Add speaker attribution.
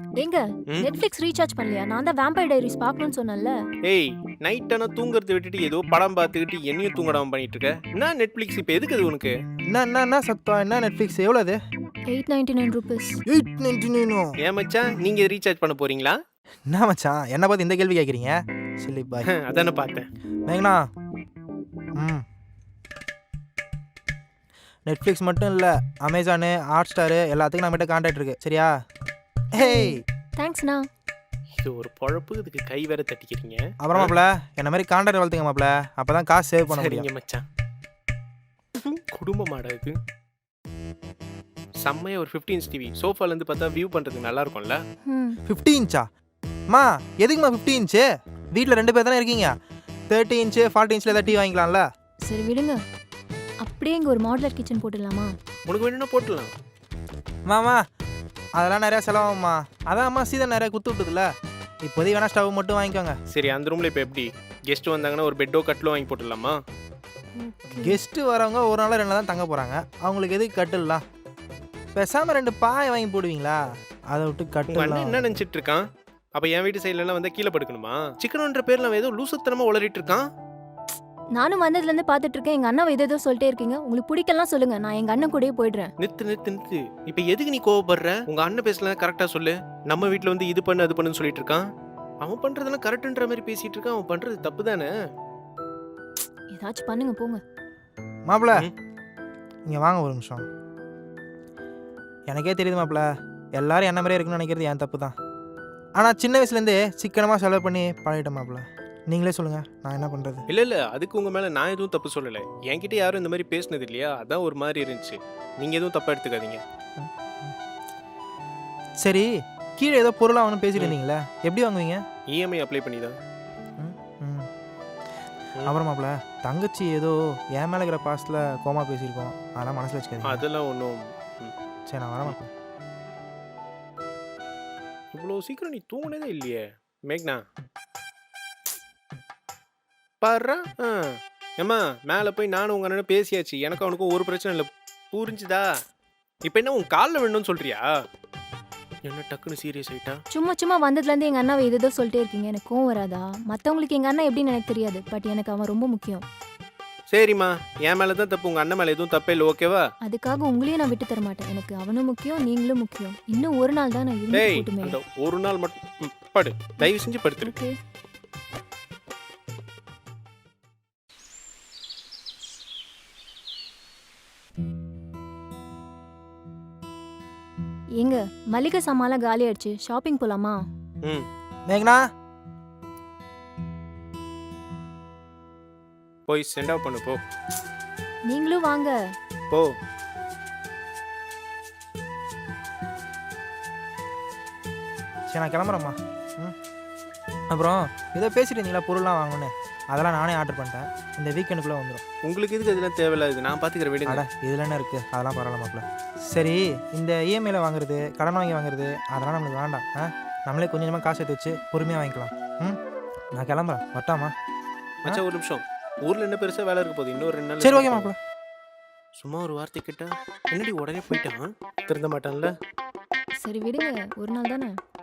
Speaker 1: ஏங்க
Speaker 2: ம்
Speaker 1: Netflix recharge பண்ணலையா? நான் தான் வேம்பயர் டைரிஸ் பார்க்கணும்னு சொன்னேன்ல.
Speaker 2: ஏய் நைட் ஆனால் தூங்குறத விட்டுட்டு ஏதோ படம் பார்த்துக்கிட்டு என்னையும் தூங்கடாம பண்ணிட்டு இருக்க. என்ன நெட்ஃப்ளிக்ஸ் இப்போ எதுக்கு அது உனக்கு?
Speaker 3: என்ன சத்தம்? என்ன நெட்ஃப்ளிக்ஸ் எவ்வளோ அது?
Speaker 1: 899 ரூபீஸ்.
Speaker 3: 899.
Speaker 2: ஏன் மச்சான் நீங்கள் ரீசார்ஜ் பண்ண போறீங்களா?
Speaker 3: என்ன மச்சான் என்ன பார்த்து இந்த கேள்வி கேட்குறீங்க? Silly boy.
Speaker 2: அதானே பார்த்தேன்.
Speaker 3: மேங்கண்ணா, ம் நெட்ஃப்ளிக்ஸ் மட்டும் இல்லை, அமேசானு, ஹாட் ஸ்டாரு எல்லாத்துக்கும் நம்மகிட்ட கான்டாக்ட் இருக்கு, சரியா? ஹேய்,
Speaker 1: தேங்க்ஸ்ண்ணா.
Speaker 2: இது ஒரு பொழப்பு, இதுக்கு கை வேற தட்டிக்கிறீங்க.
Speaker 3: அப்புறம் மாப்பிள என்ன மாதிரி கான்டாக்ட் வளர்த்துங்க மாப்பிள, அப்போ தான் காசு சேவ் பண்ண முடியும்.
Speaker 2: சரிங்க மச்சான். குடும்பமாடா இது. செம்மையா ஒரு 15 இன்ச் டிவி சோஃபாலேருந்து பார்த்தா வியூ பண்ணுறதுக்கு நல்லா இருக்கும்ல.
Speaker 3: 50 இன்ச்சா? அம்மா எதுக்குமா 50 இன்ச்சு? வீட்டில் 2 பேர் தானே இருக்கீங்க. 30 இன்ச்சு 40 இன்ச்சில் ஏதாவது டிவி வாங்கிக்கலாம்ல.
Speaker 1: சரி விடுங்க. அப்படியே இங்கே ஒரு மாடுலர் கிச்சன் போட்டுடலாமா?
Speaker 2: உனக்கு வேணும்னா போட்டுடலாம்.
Speaker 3: மாமா அதெல்லாம் நிறையா செலவாகும்மா. அதான் அம்மா சீதன் நிறையா குத்து விட்டுதுல, இப்போதைக்கு வேணா ஸ்டவ் மட்டும் வாங்கிக்கோங்க.
Speaker 2: சரி அந்த ரூமில் இப்போ எப்படி கெஸ்ட் வந்தாங்கன்னா ஒரு பெட்டோ கட்டிலோ வாங்கி போட்டுடலாமா?
Speaker 3: கெஸ்ட்டு வரவங்க ஒரு நாள் 2 நாள் தான் தங்க போகிறாங்க, அவங்களுக்கு எதுக்கு கட்டில்லாம்? பேசாமல் 2 பாய் வாங்கி போடுவீங்களா? அதை விட்டு
Speaker 2: உங்க அண்ணன்
Speaker 3: கட்டில்லாம்.
Speaker 2: என்ன நினச்சிட்டு இருக்கான்? அப்போ என் வீட்டு சைட்லலாம் வந்து கீழே படுக்கணுமா? சிக்கனுன்ற பேரில் அவன் ஏதோ லூசுத்தனமா உளறிட்டு இருக்கான்.
Speaker 1: நானும் வந்ததுலேருந்து பார்த்துட்டு இருக்கேன். எங்கள் அண்ணாவை ஏதோ சொல்லிட்டே இருக்கீங்க. உங்களுக்கு பிடிக்கலாம் சொல்லுங்க, நான் எங்கள் அண்ணன் கூடயே போயிடுறேன்.
Speaker 2: நிறுத்து. இப்போ எதுக்கு நீ கோவப்படுற? உங்க அண்ணன் பேசலாம் கரெக்டாக சொல்லு. நம்ம வீட்டில் வந்து இது பண்ணு அது பண்ணுன்னு சொல்லிட்டு இருக்கான். அவன் பண்றதெல்லாம் கரெக்டுன்ற மாதிரி பேசிட்டு இருக்கான். அவன் பண்றது தப்பு தானே?
Speaker 1: ஏதாச்சும் பண்ணுங்க போங்க.
Speaker 3: மாப்பிள
Speaker 2: ம்.
Speaker 3: இங்கே வாங்க ஒரு நிமிஷம். எனக்கே தெரியுது மாப்பிள, எல்லாரும் என்ன மாதிரியே இருக்குன்னு நினைக்கிறது என் தப்பு தான். ஆனால் சின்ன வயசுலேருந்தே சிக்கனமாக செலவு பண்ணி பழகிட்டேன் மாப்பிள. நீங்களே சொல்லுங்கள், நான் என்ன பண்ணுறது?
Speaker 2: இல்ல அதுக்கு உங்க மேல நான் எதுவும் தப்பு சொல்லலை. என்கிட்ட யாரும் இந்த மாதிரி பேசினது இல்லையா, அதான் ஒரு மாதிரி இருந்துச்சு. நீங்க எதுவும் தப்பா எடுத்துக்காதீங்க.
Speaker 3: சரி, கீழே ஏதோ பொருளாக வாங்கணும் பேசிட்டு இருந்தீங்களே, எப்படி வாங்குவீங்க?
Speaker 2: இஎம்ஐ அப்ளை பண்ணி தான்.
Speaker 3: ம் ம். அப்புறம் மாப்பிள, தங்கச்சி ஏதோ என் மேலே இருக்கிற பாசத்தில் கோமா பேசியிருக்கோம், அதெல்லாம் மனசில் வச்சுக்காதீங்க.
Speaker 2: அதெல்லாம் ஒன்றும்.
Speaker 3: சரி நான் வரேன் மாப்பிள.
Speaker 2: இவ்வளோ சீக்கிரம் நீ தூங்கினதே இல்லையே மேக்னா. பாரு ஏம்மா மேலே போய் நானும் உங்க அண்ணனும் பேசியாச்சு. எனக்கு அவனுக்கும் ஒரு பிரச்சனை இல்லை, புரிஞ்சுதா? இப்போ என்ன உன் காலில் வேணும்னு சொல்றியா? என்ன டக்குன்னு சீரியஸ் ஆயிட்டா?
Speaker 1: சும்மா வந்ததுலேருந்து எங்கள் அண்ணாவை ஏதோ சொல்லிட்டே இருக்கீங்க. எனக்கு கோவம் வராதா? மற்றவங்களுக்கு எங்கள் அண்ணன் எப்படின்னு எனக்கு தெரியாது, பட் எனக்கு அவன் ரொம்ப முக்கியம்.
Speaker 2: சரிம்மா, என் மேலே தான் தப்பு, உங்கள் அண்ணன் மேலே எதுவும் தப்பே இல்லை, ஓகேவா?
Speaker 1: அதுக்காக உங்களையும் நான் விட்டு தர மாட்டேன். எனக்கு அவனும் முக்கியம், நீங்களும் முக்கியம். இன்னும் ஒரு நாள் தான் நான் இருந்து
Speaker 2: டேய்
Speaker 1: போட்டுமே.
Speaker 2: அந்த ஒரு நாள் மட்டும் படு, தயவு செஞ்சு படுத்துரு.
Speaker 1: ஓகே. ஏங்க மளிகை சாமான்லாம் காலி ஆயிடுச்சு, ஷாப்பிங் போலாமா?
Speaker 2: ம்
Speaker 3: மேக்னா,
Speaker 2: போய் சென்ட் ஆஃப் பண்ணு போ.
Speaker 1: நீங்களும் வாங்க.
Speaker 2: போ.
Speaker 3: சரி நான் கிளம்புறேம்மா. ம். அப்புறம் ஏதோ பேசிட்டு இருந்தீங்களா பொருள்லாம் வாங்கணுன்னு, அதெல்லாம் நானே ஆர்டர் பண்ணிட்டேன். இந்த வீக்கெண்டுக்குள்ளே வந்துடும்.
Speaker 2: உங்களுக்கு எதுக்கு அதெல்லாம் தேவையில்லாது, நான் பார்த்துக்கிற விடுங்க.
Speaker 3: அட இதில் என்ன இருக்குது, அதெல்லாம் பரவாயில்ல மாப்பிள. சரி, இந்த இஎம்ஐயில் வாங்குறது, கடன் வாங்கி வாங்குறது, அதெல்லாம் நம்மளுக்கு வேண்டாம். நம்மளே கொஞ்சம் கொஞ்சமாக காசு எடுத்து வச்சு பொறுமையாக வாங்கிக்கலாம். ம், நான் கிளம்புறேன், வட்டாமா?
Speaker 2: மச்சான் ஒரு நிமிஷம், ஊரில் என்ன பெருசாக வேலை இருக்க போகுது, இன்னொரு 2 நாள்.
Speaker 3: சரி ஓகே மாப்பிள.
Speaker 2: சும்மா ஒரு வார்த்தை கேட்டா என்னடி உடனே போயிட்டான்? திருந்த மாட்டான்ல.
Speaker 1: சரி விடுங்க, ஒரு நாள் தானே.